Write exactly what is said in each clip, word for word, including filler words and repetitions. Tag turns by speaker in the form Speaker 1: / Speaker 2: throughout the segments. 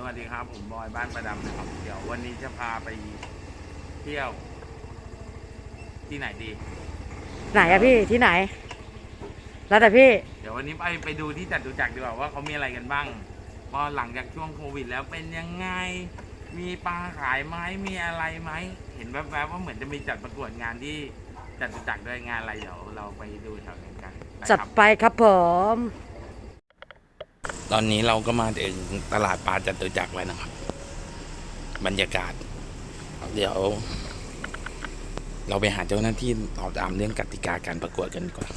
Speaker 1: วัสดีครับผมบอยบ้านประดำนะครับเดี๋ยววันนี้จะพาไปเที่ยวที่ไหนดี
Speaker 2: ไหนอะพี่ที่ไหนแล้วแต่พี่
Speaker 1: เดี๋ยววันนี้ไปไปดูที่จตุจักรดีกว่าว่าเขามีอะไรกันบ้างพอหลังจากช่วงโควิดแล้วเป็นยังไงมีปลาขายไหมมีอะไรไหมเห็นแวบๆว่าเหมือนจะมีจัดประกวดงานที่จตุจักรด้วยงานอะไรเดี๋ยวเราไปดูแถวนั้นกัน
Speaker 2: จัดไปครับผม
Speaker 1: ตอนนี้เราก็มาถึงตลาดปลาจตุจักรแล้วนะครับบรรยากาศเดี๋ยวเราไปหาเจ้าหน้าที่ตอบถามเรื่องกติกาการประกวดกันก่อน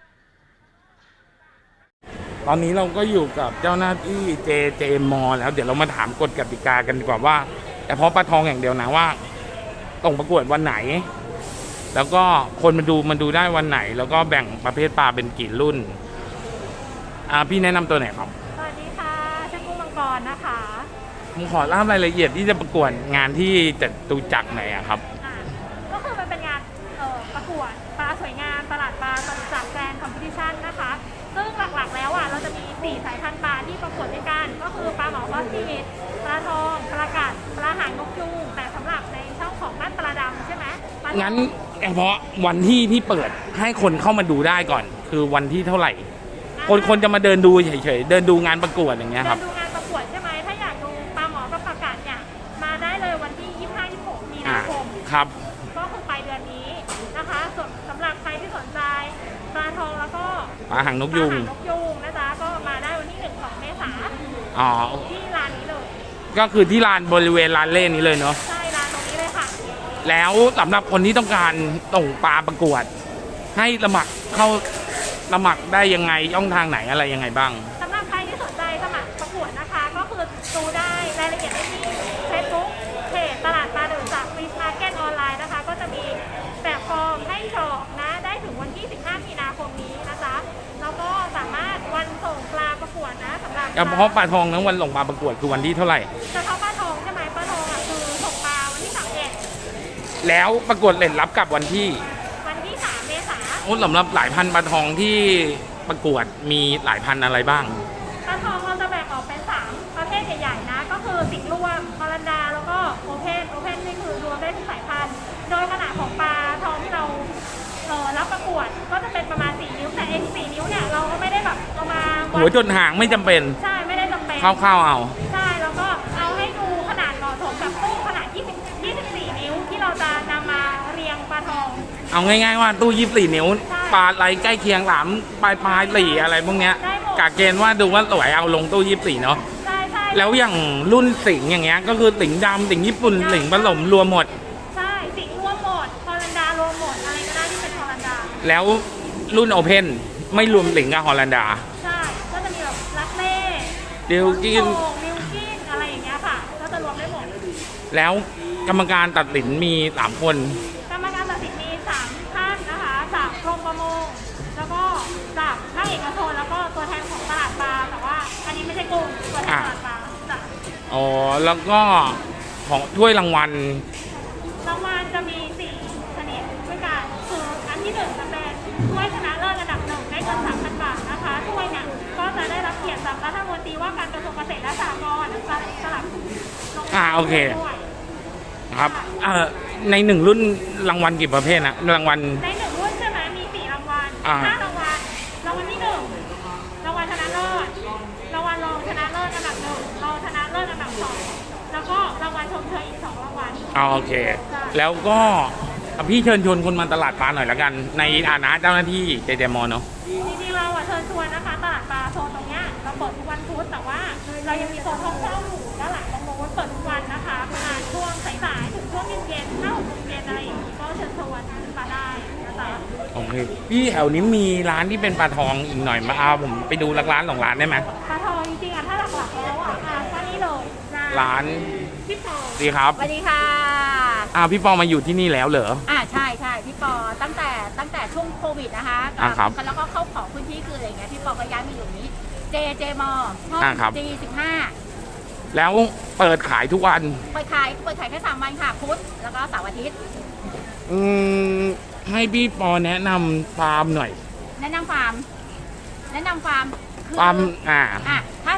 Speaker 1: ตอนนี้เราก็อยู่กับเจ้าหน้าที่เจเจมอแล้วเดี๋ยวเรามาถามกฎกติกากันดีกว่าว่าแต่เพราะปลาทองอย่างเดียวนะว่าต้องประกวดวันไหนแล้วก็คนมาดูมันดูได้วันไหนแล้วก็แบ่งประเภทปลาเป็นกี่รุ่นอ่าพี่แนะนำตัวไหนครับ
Speaker 3: สวัสดีค่ะชื่อกุ้งมังกรนะคะ
Speaker 1: ผมขอเล่ารายละเอียดที่จะประกวดงานที่จตุจักรไหนอะครับ
Speaker 3: อ่าก็คือมันเป็นงานเอ่อประกวดปลาสวยงามตลาดปลาจตุจักรแกรนด์คอมเพติชันนะคะซึ่งหลักๆแล้วอ่ะเราจะมีสี่สายพันธุ์ปลาที่ประกวดด้วยกันก็คือปลาหมอฟอสซิลิดปลาทองปลากัดปลาหางนกยูงแต่สำหรับในช่องของบ้านปลาดำใช่ไหม
Speaker 1: งั้นเฉพาะวันที่ที่เปิดให้คนเข้ามาดูได้ก่อนคือวันที่เท่าไหร่คนคนจะมาเดินดูเฉยๆเดินดูงานประกวดอย่างเงี้ยครับ
Speaker 3: เดินดูงานประกวดใช่ไหมถ้าอยากดูปลาหมอกับปลากัดเนี่ยมาได้เลยวันที่ยี่สิบห้า ยี่สิบหกมีนาคม
Speaker 1: ครับ
Speaker 3: ก็คือปลายเดือนนี้นะคะส่วนสำหรับใครที่สนใจปลาทองแล้วก็
Speaker 1: ปลาหางนกยูง
Speaker 3: นกยูงนะจ๊ะก็มาได้วันที่หนึ่งของเมษา
Speaker 1: อ๋อ
Speaker 3: ที่ร้านนี้เลย
Speaker 1: ก็คือที่ลานบริเวณลานเล่นนี้เลยเนาะ
Speaker 3: ใช่ร้านตรงนี้เลยค่ะ
Speaker 1: แล้วสำหรับคนที่ต้องการส่งปลาประกวดให้สมัครเข้าสมัครได้ยังไงช่องทางไหนอะไรยังไงบ้าง
Speaker 3: สำหรับใครที่สนใจสมัครประกวดนะคะก็คือดูได้รายละเอียดได้ที่เฟซบุ๊กเพจตลาดปลาจตุจักรฟิชมาร์เก็ตออนไลน์นะคะก็จะมีแบบฟอร์มให้กรอกนะได้ถึงวันที่สิบห้ามีนาคมนี้นะจ๊ะแล้วก็สามารถวันส่งปลาประกวดนะสำหรับ
Speaker 1: เฉพาะปลาทองนั้นวันส่งปลาประกวดคือวันที่เท่าไหร่
Speaker 3: เฉพาะปลาทองใช่ไหมปลาทองอ่ะคือส่งปลาวันที่สามเอ็ด
Speaker 1: แล้วประกวดเล่นรับกับวันที่
Speaker 3: วันที่สามเมษายน
Speaker 1: โอ้สำหรับหลายพันปลาทองที่ประกวดมีหลายพันอะไรบ้าง
Speaker 3: ปลาทองเราจะแบ่งออกเป็นสามประเภทใหญ่ๆนะก็คือสิงห์รวมฮอลันดาแล้วก็โอเพนโอเพนนี่คือรวมได้ทุกสายพันธุ์โดยขนาดของปลาทองที่เราเออรับประกวดก็จะเป็นประมาณสี่นิ้วแต่เองสี่นิ้วเนี่ยเราก็ไม่ได้แบบเอามา
Speaker 1: หัวจนหางไม่จำเป็น
Speaker 3: ใช่ไม่ได้จำเป็น
Speaker 1: คร่าวๆเอา
Speaker 3: ใช่แล้วก็เอาให้ดูขนาดเหมาะสมกับตู้ขนาดยี่สิบ ยี่สิบสี่นิ้วที่เราจะนำมาเรียงปลาทอง
Speaker 1: เอาง่ายๆว่าตู้ยี่สิบสี่นิ้วปลาอะไรใกล้เคียงหลามปลายปลายหลี่อะไรพวกเนี้ยกะเกณฑ์ว่าดูว่าสวยเอาลงตู้ยี่สิบสี่เนาะ
Speaker 3: ใช่ใช่
Speaker 1: แล้วอย่างรุ่นสิงอย่างเงี้ยก็คือสิงดำสิงญี่ปุ่นสิงผสมรวมหมด
Speaker 3: ใช่สิงรวมหมดฮอลันดารวมหมดอะไรก็ได้ที่เป็นฮอลันดา
Speaker 1: แล้วรุ่นโอเพนไม่รวมสิงกับฮอลันดา
Speaker 3: ใช่ก็จะมีแบบลักเล่
Speaker 1: ดิวกิน
Speaker 3: ดิวกินอะไรอย่างเงี้ยค่ะก็จะรวมได้หมด
Speaker 1: แล้วกรรมการตัดสินมีสามคน
Speaker 3: กรรมการตัดสินมีสามท่านนะคะจากกรมประมงแล้วก็จากภาคเอกชนแล้วก็ตัวแทนของตลาดปลาแต่ว่าอันนี้ไม่ใช่กลุ่มตัวแทนตลาดปลาจ้ะ
Speaker 1: อ๋อแล้วก็ของถ้วยรางวัล
Speaker 3: รางวัลจะมีสี่ชนิดด้วยกันคืออันที่หนึ่งจะเป็นถ้วยชนะเลิศระดับหนึ่งได้เงินสามพันบาทนะคะถ้วยเนี่ยก็จะได้รับเกียรติจากรัฐมนตรีว่าการกระทรวงเกษตรและสหกรณ์นะคะสลับ
Speaker 1: อ่าโอเคครับเอ่อในหนึ่งรุ่นรางวัลกี่ประเภทนะรางวัล
Speaker 3: ในหนึ่งรุ่นใช่ไหมมีสี่รางวัลห้ารางวัลรางวัลที่หนึ่งรางวัลชนะเลิศรางวัลรองชนะเลิศอันดับหนึ่งรองชนะเลิศอันดับสองแล้วก็รางวัลชมเชยอีกสองรางวัล
Speaker 1: อ๋อโอเคแล้วก็พี่เชิญชวนคนมาตลาดปลาหน่อยละกันในฐานะเจ้าหน้าที่เจเจมอเนาะ
Speaker 3: จริงๆเราเชิญชวนนะคะตลาดปลาโซนตรงเนี้ยเราเปิดทุกวันพุธแต่ว่าเรายังมีโซนท่องเที่ยวอยู่ด้านหลังตรงโน้นเปิดทุกวันนะคะประมาณช่วงสายๆถึงช่วงเย็นๆห้าหกโมงเย็นอะไรอย่างนี้ก็เชิญชวนมาได้นะคะ
Speaker 1: โอเคพี่แถวนี้มีร้านที่เป็นปลาทองอีกหน่อยมาเอาผมไปดูร้านสองร้านได้ไหม
Speaker 3: ปลาทองจริงๆอ่ะถ้าหลักๆแล้วอ่ะก็นี่เลย
Speaker 1: ร้าน
Speaker 3: พี่ปอ
Speaker 1: ดีครับ
Speaker 3: สวัสดีค่ะ
Speaker 1: อ้าวพี่ปอมาอยู่ที่นี่แล้วเหรอ
Speaker 3: อ่าใช่ใช่พี่ปอตั้งแต่ตั้งแต่ช่วงโควิดนะคะ
Speaker 1: อ่าครับ
Speaker 3: แล้วก็เข้าของพื้นที่คืออะไรเงี้ยพี่ปอก็ย้ายมาอยู่นี้เจเจมอห้องจีสิบห้า
Speaker 1: แล้วเปิดขายทุกวัน
Speaker 3: เปิดขายเปิดขายแค่สามวันค่ะพุธแล้วก็เสาร์อาทิตย์
Speaker 1: อืมให้พี่ปอแนะนำฟาร์มหน่อย
Speaker 3: แนะนำฟาร์มแนะนำฟาร์ม
Speaker 1: ฟาร์มอ่า
Speaker 3: อ่ะถ้าถ้าถ้าใคร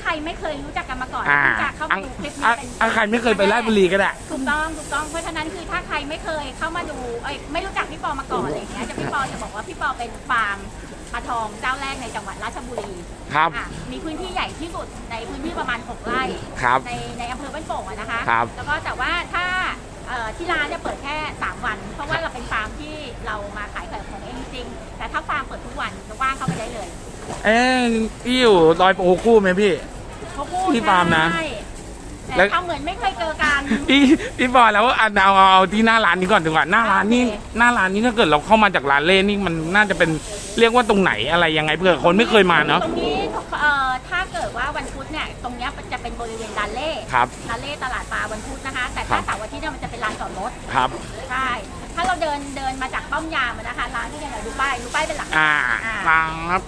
Speaker 3: รไม่เคยรู้จักกันมาก่อน
Speaker 1: อ่า
Speaker 3: รู้จักเข้า
Speaker 1: อ่ะ
Speaker 3: มาดูคลิป
Speaker 1: อ่ะ
Speaker 3: นี้เป็น
Speaker 1: อ่ะใครไม่เคยไปราชบุรีก็ได้
Speaker 3: ถูกต้องถูกต้องเพราะฉะนั้นคือถ้าใครไม่เคยเข้ามาดูเอ้ยไม่รู้จักพี่ปอมาก่อนอะไรอย่างเงี้ยจะพี่ปอจะบอกว่าพี่ปอเป็นฟาร์มปลาทองเจ้าแรกในจังหวัดราชบุรี
Speaker 1: ครับ
Speaker 3: อ่ะมีพื้นที่ใหญ่ที่สุดในพื้นที่ประมาณหกไร่
Speaker 1: ครับ
Speaker 3: ในในอำเภอบ้านโป่งอะนะคะ
Speaker 1: ครับ
Speaker 3: แล้วก็แต่ว่าถ้าเอ่อที่ร้านเนี่ยเปิดแค่สามวัน เพราะว่าเราเป็นฟาร์มที่เรามาขายของเองจริงๆแต่ถ้าฟาร์มเปิดทุกวันจะว่างเข้าไปได้เลย
Speaker 1: เอ๊ะพี่อยู่ดอยโปคู่ไหมพี่
Speaker 3: เขาพูด
Speaker 1: ที่ฟาร์มนะ
Speaker 3: ใช่
Speaker 1: แล้
Speaker 3: แต่
Speaker 1: ว
Speaker 3: ทำเหมือนไม่เคยเจอกัน
Speaker 1: พี่พี่บอยแล้วเอาเอาเอาเอาที่หน้าร้านนี้ก่อนดีกว่าหน้าร้านนี่
Speaker 3: โอเค
Speaker 1: หน้าร้านนี้ถ้าเกิดเราเข้ามาจากร้านเล่นี่มันน่าจะเป็นเรียกว่าตรงไหนอะไรยังไงเผื่อคนไม่เคยมาเนาะ
Speaker 3: ตรงนี้เอ่อถ้าเกิดว่าวันพุธเนี่ยตรงเนี้ยจะเป็นบริเวณลานเล่
Speaker 1: ครับ
Speaker 3: ลานเล่ตลาดปลาวันพุธนะคะ แต่ถ้า
Speaker 1: ครับ
Speaker 3: เสาร์อาทิตย์เนี่ยมันจะเป็นลานจอดรถ
Speaker 1: ครับ
Speaker 3: ใช่ ถ้าเราเดินเดินมาจากป้อมยามอะนะคะ ร้านที่เนี่ยดูป้ายดูป้ายเป็นหลัก
Speaker 1: อ่า
Speaker 3: อ่า
Speaker 1: ครับ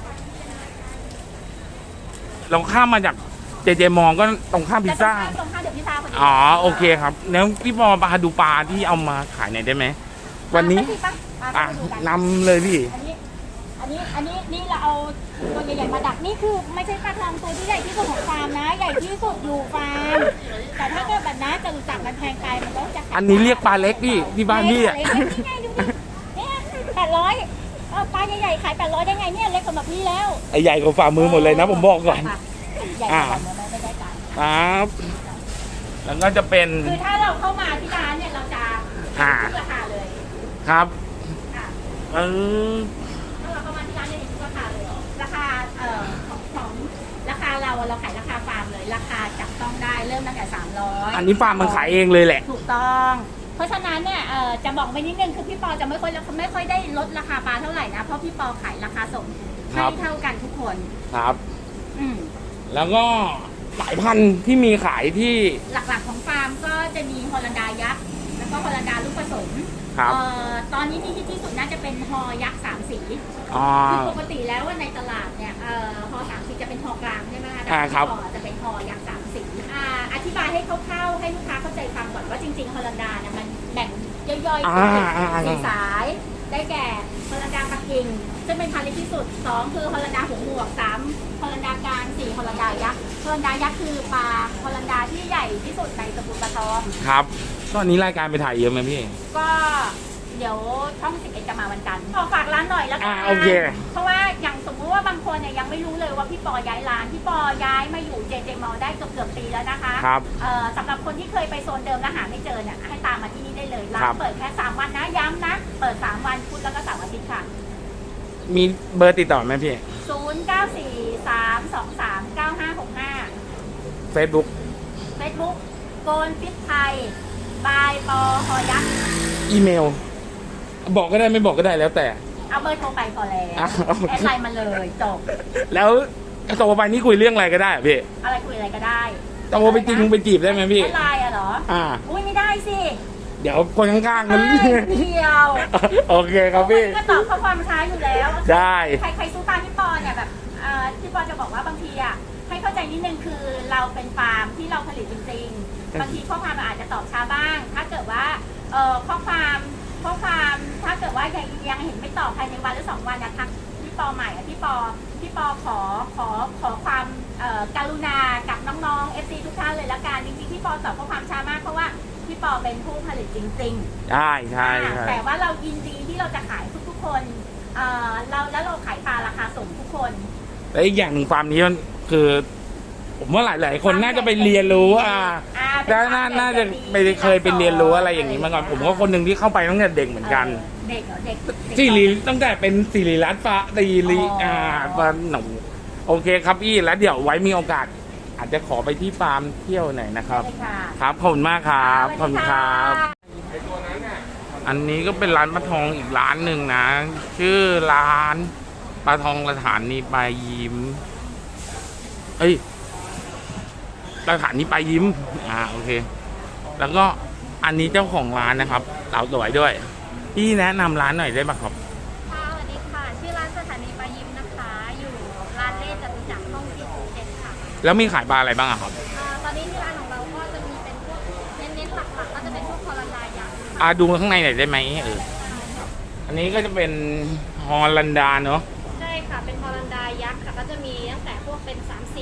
Speaker 1: เราข้ามมาจากเจเจมองก็ตรงข้ามพิซซ่า
Speaker 3: จะตรงข้ามเดี๋ยวพิซซ่าพอดี
Speaker 1: อ๋อโอเคครับแล้วพี่บอมาดูปลาที่เอามาขายหน่อยได้ไหมวันนี้
Speaker 3: ไปสิปะมา
Speaker 1: อ่ะ
Speaker 3: ไปดูกัน
Speaker 1: นำเลยพี่
Speaker 3: อันนี้ อันนี้ อันนี้ นี่เราเอาตัวใหญ่ๆมาดัก นี่คือไม่ใช่ปลาทองตัวที่ใหญ่ที่สุดของฟาร์มนะ ใหญ่ที่สุดอยู่ฟาร์ม แต่ถ้าเกิดแบบนั้นจะรู้จักมันแพงไปมันก็จะ
Speaker 1: อันนี้เรียกปลาเล็กพี่ที่บ้านพี่อ่ะ
Speaker 3: เล็กๆนี่ไงดูดิเนี่ยแปดร้อยเออปลาใหญ่ๆขายแปดร้อยได้ไงเนี่ยเล็กสำหรับพี่แล้ว
Speaker 1: ไอใหญ่กว่าฝ่ามือหมดเลยนะผมบอกก่อน
Speaker 3: ใหญ่กว่าไม่ไม่ได้กัน
Speaker 1: ครับ แล้วก็จะเป็น
Speaker 3: คือถ้าเราเข้ามาที่ร้านเนี่ยเราจะ
Speaker 1: อ่า
Speaker 3: ทุกราคาเลย
Speaker 1: ครับ
Speaker 3: ค่ะ
Speaker 1: เออ
Speaker 3: ถ้าเราเข้ามาที่ร้านเนี่ยเห็นทุกราคาเลยราคาเอ่อของของราคาเราอะเราขายราคาฟาร์มเลย ราคาจับต้องได้เริ่มตั้งแต่สามร้อย
Speaker 1: อันนี้ฟาร์มมันขายเองเลยแหละ
Speaker 3: ถูกต้อง เพราะฉะนั้นเนี่ยเอ่อจะบอกไปนิดนึงคือพี่ปอจะไม่ค่อยไม่ค่อยได้ลดราคาปลาเท่าไหร่นะเพราะพี่ปอขายราคาส่ง
Speaker 1: ครั
Speaker 3: ให้
Speaker 1: บ
Speaker 3: เท่ากันทุกคน
Speaker 1: ครับ
Speaker 3: อืม
Speaker 1: แล้วก็สายพันธุ์ที่มีขายที่
Speaker 3: หลักๆของฟาร์มก็จะมีฮอลันดายักษ์แล้วก็ฮอลันดาลูกผสม
Speaker 1: ครับ
Speaker 3: เอ่อตอนนี้ที่ฮิตที่สุดน่าจะเป็นฮอยักษ์สามสี
Speaker 1: อ๋อ
Speaker 3: คือปกติแล้วว่าในตลาดเนี่ยเอ่อฮอสามสีจะเป็นฮอกลางใช่ไหมคะแต่
Speaker 1: อ่าครับ
Speaker 3: ฮอจะเป็นฮอยักษ์สามสีอ่าอธิบายให้คร่าวๆให้ลูกค้าเข้าใจฟังก่อนว่าจริงๆฮอลันดาเนี่ยมันแบ่งย่อยๆ
Speaker 1: อ่า
Speaker 3: เป็น
Speaker 1: อ่าอ่า
Speaker 3: สี่สาย ได้แก่ฮอลันดาปักกิ่งซึ่งเป็นพันธุ์เล็กที่สุดสองคือฮอลันดาหัวหมวกสามฮอลันดากลางสี่ฮอลันดายักษ์ฮอลันดายักษ์คือปลาฮอลันดาที่ใหญ่ที่สุดในตระกูลปลาทอง
Speaker 1: ครับตอนนี้รายการไปถ่ายเยอะไหมพี่
Speaker 3: ก็เดี๋ยวช่องสิบเอ็ดจะมาวันจันทร์ขอฝากร้านหน่อยแล้วกั
Speaker 1: อ่าโอเค
Speaker 3: เพราะว่าอย่างสมมติว่าบางคนเนี่ยยังไม่รู้เลยว่าพี่ปอย้ายร้านพี่ปอย้ายมาอยู่เจเจมอได้เกือบเกือบปีแล้วนะคะ
Speaker 1: ครับ
Speaker 3: เอ่อสำหรับคนที่เคยไปโซนเดิมแล้วหาไม่เจอเนี่ยให้ตามมาที่นี่ได้เลยร้า
Speaker 1: ครั
Speaker 3: น
Speaker 1: บ
Speaker 3: เปิดแค่สามวันนะย้ำนะเปิดสามวันพุธแล้วก็เสาร์อาทิตย์ค่ะ
Speaker 1: มีเบอร์ติดต่อไหมพี่
Speaker 3: ศูนย์ เก้า สี่ สาม สอง สาม เก้า ห้า หก ห้า
Speaker 1: Facebook
Speaker 3: Facebook โกนฟิตไทยบายปอฮอยักษ์
Speaker 1: อีเมล บอกก็ได้ไม่บอกก็ได้แล้วแต่
Speaker 3: เอาเบอร์โทรไปก่อนแล้ว
Speaker 1: อ่ะโอเค
Speaker 3: แอดไลน์มาเลยจบ
Speaker 1: แล้วโทรไปนี่คุยเรื่องอะไรก็ได้เหรอพี่
Speaker 3: อะไรคุยอะไรก็ได้
Speaker 1: โทรไปจริงไปจีบได้ไหมพี่
Speaker 3: แอดไลน์อะเหรอ
Speaker 1: อ่า
Speaker 3: อุ้ยไม่ได้สิ
Speaker 1: เดี๋ยวคนข้างๆมัน
Speaker 3: ไม่เดียว
Speaker 1: โอเคครับพี่
Speaker 3: ก็ตอบข้อความช้าอยู่แล้ว
Speaker 1: ได้
Speaker 3: ใครใครสู้ตามพี่ปอเนี่ยแบบเอ่อพี่ปอจะบอกว่าบางทีอ่ะให้เข้าใจนิดนึงคือเราเป็นฟาร์มที่เราผลิตจริงๆบางทีข้อความเราอาจจะตอบช้าบ้าง ถ้าเกิดว่าเอ่อข้อความข้อความถ้าเกิดว่ายังยังเห็นไม่ตอบภายในวันหรือสองวันนะทักพี่ปอใหม่อ่ะพี่ปอพี่ปอขอขอขอความเอ่อการุณากับน้องๆ เอฟ ซี ทุกท่านเลยละกันจริงๆพี่ปอตอบข้อความช้ามากเพราะว่าพี่ปอเป็นผู้ผลิตจริงๆ
Speaker 1: ใช่ใช่ใช่
Speaker 3: แต่ว่าเรายินดีที่เราจะขายทุกๆคนเอ่อเราแล้วเราขายปลาราคาส่งทุกคน
Speaker 1: และอีกอย่างหนึ่งฟาร์มนี้มันคือ ผมว่าหลาย ๆ คนน่าจะไปเรียนรู้อ่า
Speaker 3: อ่า
Speaker 1: แล้วน่าน่าจะไปเคยไปเรียนรู้อะไรอย่างนี้มาก่อนผมก็คนหนึ่งที่เข้าไปตั้งแต่เด็กเหมือนกัน
Speaker 3: เด็กเหรอเด็กเด็ก
Speaker 1: สิริตั้งแต่เป็นสิริรัตน์ฟ้าสิริ
Speaker 3: อ๋ออ่
Speaker 1: อ่าฟาร์มหนูโอเคครับพี่แล้วเดี๋ยวไว้มีโอกาส อาจจะขอไปที่ฟาร์มเที่ยวหน่อยนะครับ
Speaker 3: ได้ค่ะ
Speaker 1: ครับขอบคุณมากครับข
Speaker 3: ส
Speaker 1: อ
Speaker 3: วั
Speaker 1: บ
Speaker 3: ส
Speaker 1: คุ
Speaker 3: ดี
Speaker 1: ณค
Speaker 3: ค่ะ
Speaker 1: รับ อันนี้ก็เป็นร้านปลาทองอีกร้านหนึ่งนะ ชื่อร้านปลาทองสถานีปลายยิ้ม เอ้ยสถานีปลายยิ้ม อ่าโอเค แล้วก็อันนี้เจ้าของร้านนะครับสาวสวยด้วย พี่แนะนำร้านหน่อยได้ไหมครับ
Speaker 3: ค่ะสวัสดีค่ะ ชื่อร้านสถานีปลายิ้มนะคะ อยู่ร้านเล่จตุจักรห้องที่เจ็ดค่ะ
Speaker 1: แล้วมีขายปลาอะไรบ้างอะครับ
Speaker 3: อ่าตอนนี้ที่ร้านของเราก็จะมีเป็นพวกเน้นๆหลักๆก็จะเป็นพวกคอรันดายักษ์ค่ะ
Speaker 1: อ่าดูข้างในหน่อยได้ไหมเอออันนี้ก็จะเป็นฮอลันดาเนอะ
Speaker 3: ใช่ค่ะ เป็นฮอลันดายักษ์ค่ะ ก็จะมีตั้งแต่พวกเป็นสามสีอัลคา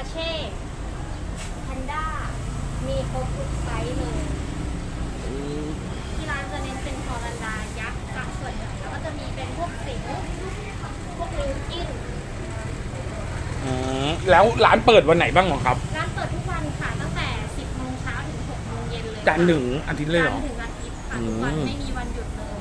Speaker 3: เช่แพนด้ามีครบทุกไซส์เลย ที่ร้านจะเน้นเป็นฮอลันดายักษ์กับส่วนใหญ่แล้วก็จะมีเป็นพวกสิงห์พวกลิวกิน
Speaker 1: อืมแล้วร้านเปิดวันไหนบ้างเหรอครับ
Speaker 3: ร้านเปิดทุกวันค่ะตั้งแต่สิบโมงเช้าถึงหกโมงเย็นเลย
Speaker 1: จันทร์ถึงอาทิตย์เลยเหร
Speaker 3: จั
Speaker 1: อ
Speaker 3: นทร์ถึงอาทิตย์ค่ะทุกวัน
Speaker 1: อืม
Speaker 3: ไม่มีวันหยุดเลย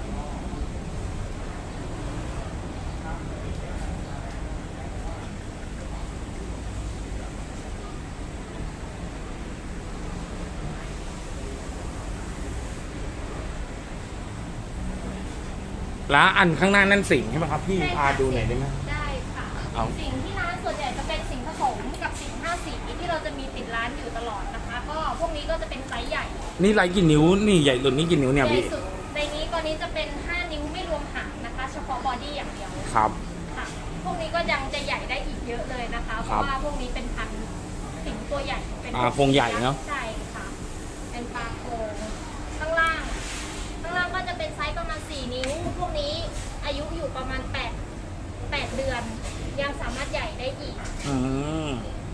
Speaker 1: แล้วอันข้างหน้านั่นสิงห์ใช่ไหมครับพี่
Speaker 3: ใช่
Speaker 1: พา
Speaker 3: ค่ะ
Speaker 1: ดูหน่อยได้ไหม
Speaker 3: ได้ค่ะ
Speaker 1: เอา
Speaker 3: สิ่งที่ร้านส่วนใหญ่จะเป็นสิ่งผสมกับสิ่งห้าสีที่เราจะมีติดร้านอยู่ตลอดนะคะ ก็พวกนี้ก็จะเป็นไซส์ใหญ่
Speaker 1: นี่ไรกี่นิ้วนี่ใหญ่สุดนี่กี่นิ้วเนี่ย
Speaker 3: ใหญ่
Speaker 1: พี่
Speaker 3: สุดในนี้ตัวนี้จะเป็นห้านิ้วไม่รวมหางนะคะ เฉพาะบอดี้อย่างเดียว
Speaker 1: ครับ
Speaker 3: ค่ะพวกนี้ก็ยังจะใหญ่ได้อีกเยอะเลยนะคะ เพราะว่าพวกนี้เป็นพันธุ์สิงตัวใหญ่เป็น
Speaker 1: ปลาโครงใหญ่เนอะ
Speaker 3: ใช่ค่ะ เป็นปลาโครงข้างล่าง ข้างล่างก็จะเป็นไซส์ประมาณสี่นิ้ว พวกนี้อายุอยู่ประมาณแปด แปดเดือน ยังสามารถใหญ่ได้อีก
Speaker 1: อืม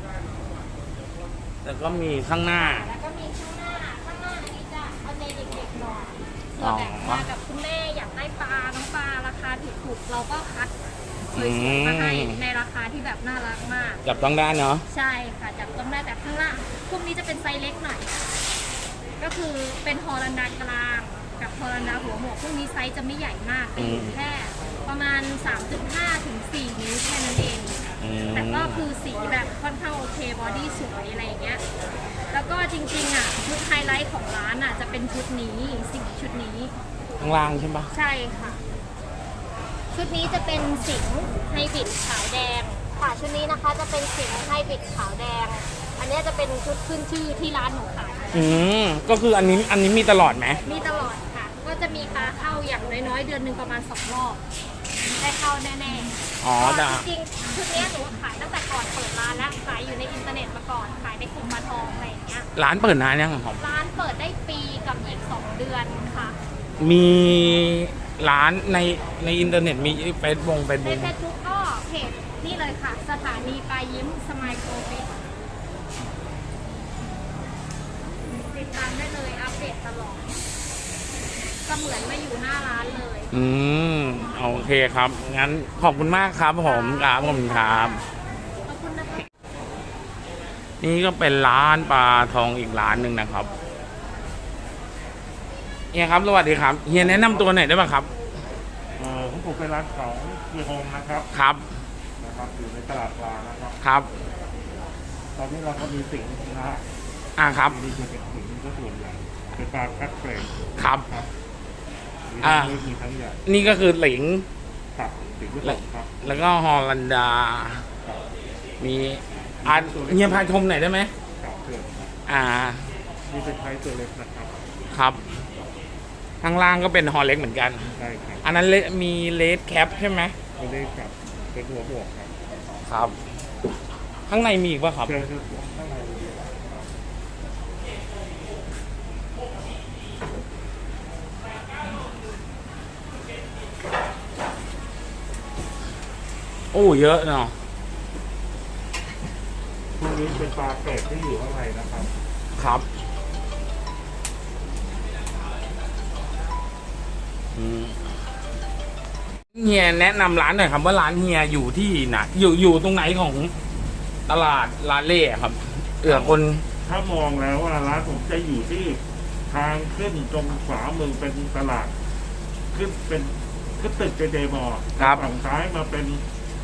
Speaker 1: แล้วก็มีข้างหน้า
Speaker 3: แล้วก็มีข้างหน้า ข้างหน้าอันนี้จะเอาใจเด็กๆหน่อย
Speaker 1: อ๋
Speaker 3: เผื่
Speaker 1: อ
Speaker 3: อแบบมากับคุณแม่อยากได้ปลา น้องปลาราคาถูกๆเราก็คัดสวยๆมาให้ในราคาที่แบบน่ารักมาก
Speaker 1: จับต้องได้เนาะ
Speaker 3: ใช่ค่ะจับต้องได้แต่ข้างล่างพวกนี้จะเป็นไซส์เล็กหน่อย ก็คือเป็นฮอลันดากลางกับฮอลันดาหัวหมวกพวกนี้ไซส์จะไม่ใหญ่มากจะอยู่แค่ประมาณ สามจุดห้า ถึง สี่ นิ้วแค่นั้นเอง
Speaker 1: อืม
Speaker 3: แต่ก็คือสีแบบค่อนข้างโอเคบอดี้สวยอะไรอย่างเงี้ย แล้วก็จริงๆอ่ะชุดไฮไลท์ของร้านอ่ะจะเป็นชุดนี้สีชุดนี้
Speaker 1: ข้างล่างใช่ปะ
Speaker 3: ใช่ค่ะ ชุดนี้จะเป็นสิงห์ไฮบริดขาวแดงค่ะชุดนี้นะคะจะเป็นสิงห์ไฮบริดขาวแดง อันเนี้ยจะเป็นชุดขึ้นชื่อที่ร้านหนูขาย
Speaker 1: อืมก็คืออันนี้อันนี้มีตลอดไหม
Speaker 3: มีตลอดค่ะ ก็จะมีปลาเข้าอย่างน้อยๆ เดือนหนึ่งประมาณสองรอบได้เข้าแน่ๆ
Speaker 1: อ๋อ
Speaker 3: เพราะ
Speaker 1: จ้ะ
Speaker 3: ว่าจริงๆชุดเนี้ยหนูขายตั้งแต่ก่อนเปิดร้านแล้วขายอยู่ในอินเทอร์เน็ตมาก่อนขายในกลุ่มมาทองอะไรอย่างเงี้ย
Speaker 1: ร้านเปิดนานยังครับ
Speaker 3: ร้านเปิดได้ปีกับอีกสองเดือนค่ะ
Speaker 1: มีร้านในในอินเทอร์เน็ตมีเฟซบุ๊กเฟซ
Speaker 3: ใน
Speaker 1: บุ๊ก
Speaker 3: เฟซบุ๊กก็เพจนี่เลยค่ะ สถานีปลายยิ้มสมายโกเฟสติดตามได้เลยอัปเดตตลอด ก็เหมือนมาอยู่หน้าร้านเลย
Speaker 1: อืมโอเคครับ งั้นขอบคุณมากครับผมครับผมครับ
Speaker 3: ขอบคุณนะคะ
Speaker 1: นี่ก็เป็นร้านปลาทองอีกร้านหนึ่งนะครับเฮียครับสวัสดีครับเฮียแนะนำตัวหน่อยได้ไหมครับ
Speaker 4: เอ่อของผมเป็นร้านของเฮียโฮมนะครับ
Speaker 1: ครับ
Speaker 4: นะครับอยู่ในตลาดปลานะครับ
Speaker 1: ครับ
Speaker 4: ตอนนี้เราก็มีสิ่งนะฮะ
Speaker 1: อ่าครับ
Speaker 4: มีจะเป็นสิ่งก็ส่วนใหญ่เป็นปลาคัดเกรด
Speaker 1: ครับ
Speaker 4: ครับมี
Speaker 1: อ่า
Speaker 4: ทั้งเล็กมีทั้งใหญ่
Speaker 1: นี่ก็คือหลิง
Speaker 4: ครับสิ่งที่สองครับ
Speaker 1: แล้วก็ฮอลันดา
Speaker 4: ครับ
Speaker 1: มีอ่าเฮียพาชมหน่อยได้ไหม
Speaker 4: ครับเพื่อนครับ
Speaker 1: อ่า
Speaker 4: นี่เป็นไทยตัวเล็กนะครับ
Speaker 1: ครับ ข้างล่างก็เป็นฮอลเล็กเหมือนกัน
Speaker 4: ใช่ครับ
Speaker 1: อันนั้นเลมีเลดแคปใช่ไหม
Speaker 4: ตัวเล็กกับเป็นหัวบวกครับ
Speaker 1: ครับ ข้างในมีอีกป่ะครับ
Speaker 4: เจอคือข้างใน
Speaker 1: โอ้เยอะเนาะ
Speaker 4: พวกนี้เป็นปลาเกรดที่อยู่ข้างในนะครับ
Speaker 1: ครับอืมเฮียแนะนำร้านหน่อยครับว่าร้านเฮียอยู่ที่ไหนอยู่อยู่ตรงไหนของตลาดลาเล่ครับเผื่อคน
Speaker 4: ถ้ามองแล้วว่าร้านผมจะอยู่ที่ทางขึ้นตรงขวามือเป็นตลาด ขึ้นเป็นขึ้นตึกเจเจมอ
Speaker 1: ครับ
Speaker 4: ฝั่งซ้ายมาเป็น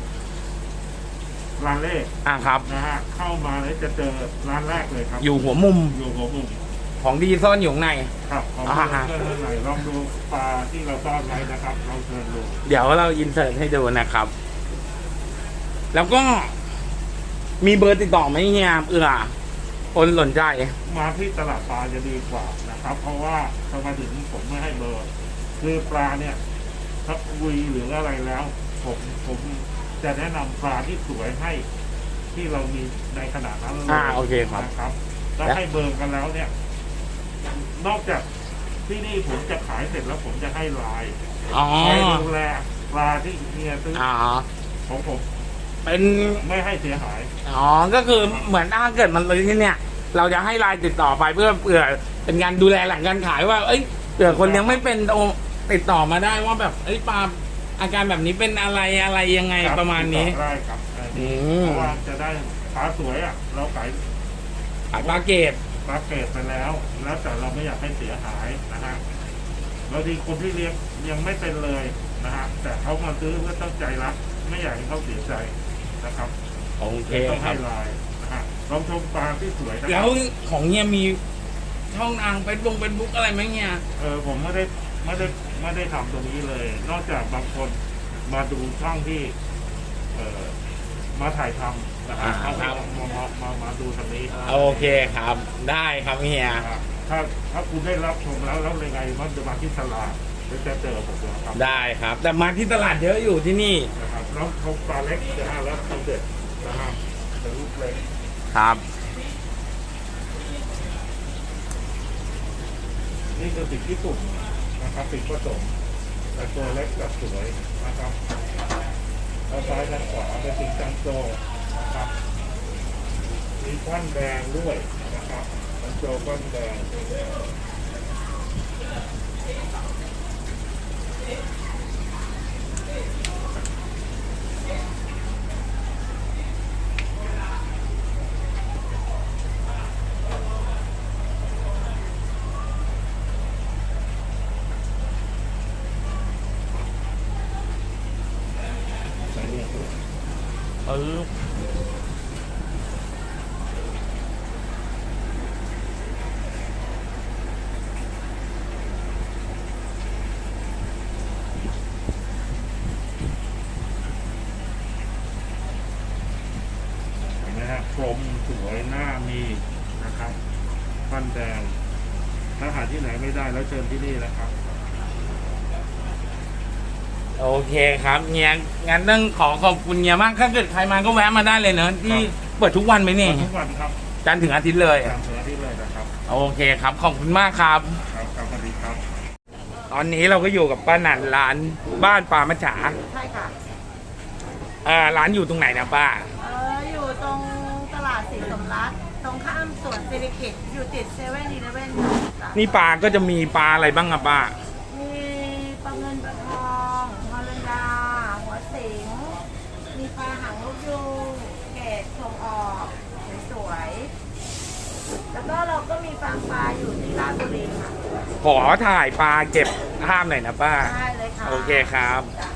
Speaker 4: ร้านเล่
Speaker 1: อ่าครับ
Speaker 4: นะฮะเข้ามาแล้วจะเจอร้านแรกเลยครับ
Speaker 1: อยู่หัวมุม
Speaker 4: อยู่หัวมุม
Speaker 1: ของดีซ่อนอยู่ข้างใน
Speaker 4: ครับของ
Speaker 1: อ่าฮะ
Speaker 4: เพื่อนเพื่อนไหนลองดูปลาที่เราซ่อนไว้นะครับลองเชิญดู
Speaker 1: เดี๋ยวเราอินเสิร์ตให้ดูนะครับ แล้วก็มีเบอร์ติดต่อไหมเฮียเอือคนสนใจ
Speaker 4: มาที่ตลาดปลาจะดีกว่านะครับ เพราะว่าทำไมถึงผมไม่ให้เบอร์ คือปลาเนี่ยถ้าคุยหรืออะไรแล้ว ผมผมจะแนะนำปลาที่สวยให้ที่เรามีในขนาดนั้นเลย
Speaker 1: อ่าโอเคครับ
Speaker 4: นะครับแล้วให้เบอร์กันแล้วเนี่ย นอกจากที่นี่ผมจะขายเสร็จแล้วผมจะให้ไลน์
Speaker 1: อ๋อ
Speaker 4: ให้ดูแลปลาที่เฮียซื้อ
Speaker 1: อ๋อ
Speaker 4: ของผม
Speaker 1: เป็น
Speaker 4: ไม่ให้เสียหาย
Speaker 1: อ๋อ ก็คือเหมือนถ้าเกิดมันเลยที่เนี่ย เราจะให้ไลน์ติดต่อไปเพื่อเผื่อเป็นการดูแลหลังการขายว่า เอ้ยเผื่อคนยังไม่เป็นโอติดต่อมาได้ว่าแบบเอ้ยปลาอาการแบบนี้เป็นอะไรอะไรยังไง
Speaker 4: ครับ
Speaker 1: ประมาณนี้
Speaker 4: ได้ครับได้
Speaker 1: อืม
Speaker 4: เพราะว่าจะได้ปลาสวยอ่ะ เราขาย
Speaker 1: ขายปลาเกต
Speaker 4: ปลาเกรดไปแล้ว แล้วแต่เราไม่อยากให้เสียหายนะฮะบางทีคนที่เลี้ยงยังไม่เป็นเลยนะฮะแต่เขามาซื้อเพื่อตั้งใจรักไม่อยากให้เขาเสียใจนะครับ
Speaker 1: โอเค
Speaker 4: ต้อง
Speaker 1: ครั
Speaker 4: ให้
Speaker 1: บ
Speaker 4: ลายนะฮะลองชมปลาที่สวยนะค
Speaker 1: แล้
Speaker 4: รั
Speaker 1: ว
Speaker 4: บ
Speaker 1: ของเฮียมีช่องทางเฟซบุ๊กเฟซบุ๊กอะไรไหมเฮีย
Speaker 4: เออผมไม่ได้ไม่ได้ไม่ได้ทำตรงนี้เลย นอกจากบางคนมาดูช่องที่ เออมาถ่ายทำนะฮะ
Speaker 1: อ่า
Speaker 4: เอา
Speaker 1: ครับ
Speaker 4: มามามามาดูทางนี้
Speaker 1: โอเคครับ ได้ครับเฮีย
Speaker 4: นะครับถ้าถ้าคุณได้รับชมแล้วแล้วยังไงมันจะมาที่ตลาดหรือจะเจอผมนะครับ
Speaker 1: ได้ครับ แต่มาที่ตลาดเยอะอยู่ที่นี่
Speaker 4: นะครับแล้วเขาปลาเล็กนะฮะแล้วเขาเด็ดนะฮะเป็นลูกเล็ก
Speaker 1: ครับ
Speaker 4: นี่คือสิ่งที่สุดนะครับสิ่งผสมแต่ตัวเล็กกับสวยนะครับเอาซ้ายทางขวาเป็นสิ่งจังโจนะครับมีควันแดงด้วยนะครับจังโจควันแดง
Speaker 1: เออ
Speaker 4: เห็นไหมฮะกลมสวยหน้ามีนะครับควันแดงถ้าหาที่ไหนไม่ได้แล้วเชิญที่นี่นะครับ
Speaker 1: โอเคครับเฮียงั้นต้องขอขอบคุณเฮียมากถ้าเกิดใครมาก็แวะมาได้เลยเนอะที่เปิดทุกวันไหมเนี่ย
Speaker 4: ทุกวันครับ
Speaker 1: จันทร์ถึงอาทิตย์เลย
Speaker 4: ตามเสือที่เลยนะครับ
Speaker 1: โอเคครับ ขอบคุณมากครับ
Speaker 4: ครับครับสวัสดีครับ
Speaker 1: ตอนนี้เราก็อยู่กับป้าหนันร้านบ้านปลามัจฉา
Speaker 2: ใช่ค่ะ
Speaker 1: อ่าร้านอยู่ตรงไหนนะป้า
Speaker 2: เอออยู่ตรงตลาดศรีสมรัตน์ตรงข้ามสวนเซริกิตอยู่ติดเซเว่นอีเลฟเว่นค่ะ
Speaker 1: นี่ปลาก็จะมีปลาอะไรบ้างอะป้า
Speaker 2: มีปลาเงินปลาทองฮอลแลนดา หัวสิง มีปลาหางลูกยูงเกรดส่งออกสวยๆแล้วก็เราก็มีฟาร์มปลาอยู่ที่ราชบุรีค่ะ
Speaker 1: ขอถ่ายปลาเก็บภาพหน่อยนะป้า
Speaker 2: ได้เลยค่ะ
Speaker 1: โอเคครับ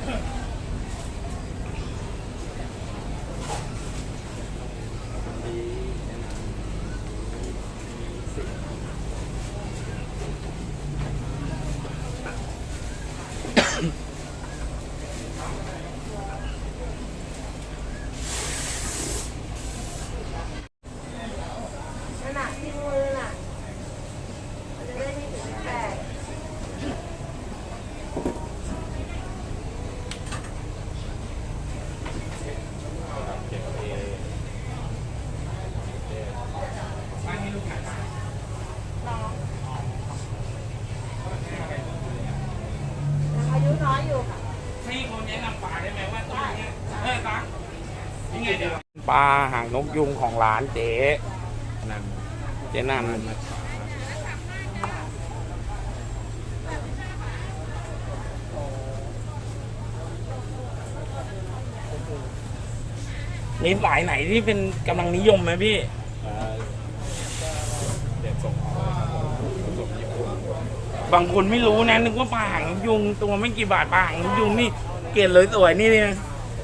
Speaker 2: ขนาดที่มือน่ะมันจะได้ไม่ถึงแตก ยังอายุน้อยอยู่ค่ะ
Speaker 1: พี่คนแนะนำปลาได้ไหมว่าตรงนี้เออตังยังไงเดี๋ยวปลาหางนกยุงของร้านเจ๊นันเจ๊นันนี่สายไหนที่เป็นกำลังนิยมไหมพี่ บางคนไม่รู้นะนึกว่าปลาหางนกยุงตัวไม่กี่บาทปลาหางนกยุงนี่เกล็ดเลยสวยนี่เนี่ย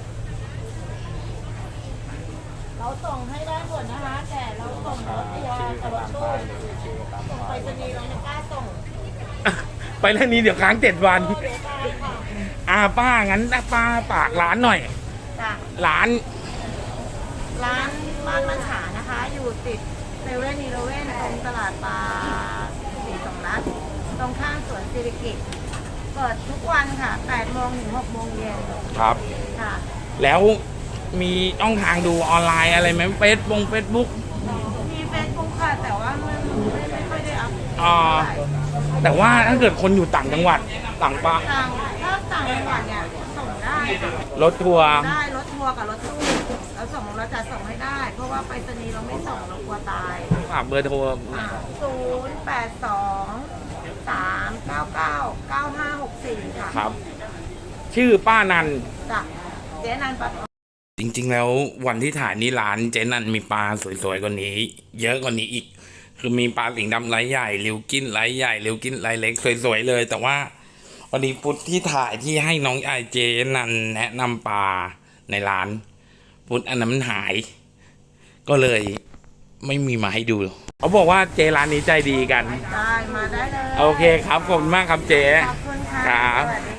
Speaker 2: เราส่งให้ได้หมดนะคะ แต่เราส่งรถทัวร์กับรถตู้ส่งไปรษณีย์เราไม่กล้าส่ง
Speaker 1: ไปเรื่องนี้เดี๋ยวค้างเจ็ดวัน
Speaker 2: เออเดี๋ยวตายค่ะ
Speaker 1: อ่าป้างั้นป้าฝากร้านหน่อย
Speaker 2: จ้ะ
Speaker 1: ร้าน
Speaker 2: ร้านบ้านมัญฉานะคะ อยู่ติดเซเว่นอีเลฟเว่นตรงตลาดปลาศรีสมรัตน์ตรงข้างสวนสิริกิตเปิดทุกวันค่ะแปดโมงถึงหกโมงเย็น
Speaker 1: ครับ
Speaker 2: ค่ะ
Speaker 1: แล้วมีช่องทางดูออนไลน์อะไรไหมเฟซบุ๊กเฟซบุ๊ก
Speaker 2: มีเฟซบุ๊กค่ะ แต่ว่ามันไม่ไม่ค่อยได้อัพ
Speaker 1: อ่า แต่ว่าถ้าเกิดคนอยู่ต่างจังหวัดต่างปะ
Speaker 2: ต่างถ้าต่างจังหวัดเนี่ยส่งได้ค่ะ
Speaker 1: รถทัวร์
Speaker 2: ได้รถทัวร์กับรถตู้เราส่งเราจะส่งให้ได้ เพราะว่าไปรษณีย์เราไม่ส่งเรากลัวตาย
Speaker 1: ฝากเบอร์โทร
Speaker 2: ศูนย์แปดสองสามเก้าเก้าเก้าห้าหกสี่ค่ะ
Speaker 1: ครับ ชื่อป้านัน
Speaker 2: จ้ะเจ๊นันปะ
Speaker 1: จริงๆแล้ววันที่ถ่ายนี่ร้านเจนันมีปลาสวยๆกว่านี้ เยอะกว่านี้อีก คือมีปลาสิงห์ดำไซส์ใหญ่ริวกินไซส์ใหญ่ริวกินไซส์เล็กสวยๆเลย แต่ว่าวันนี้พุทธที่ถ่ายที่ให้น้องไอเจนันแนะนำปลาในร้านพุทธอันนั้นมันหาย ก็เลยไม่มีมาให้ดูเขาบอกว่าเจร้านนี้ใจดีกัน
Speaker 2: ได้มาได้เลย
Speaker 1: โอเคครับขอบคุณมากครับเจ
Speaker 2: ขอบคุณค่ะ
Speaker 1: ครับ
Speaker 2: สวัสดี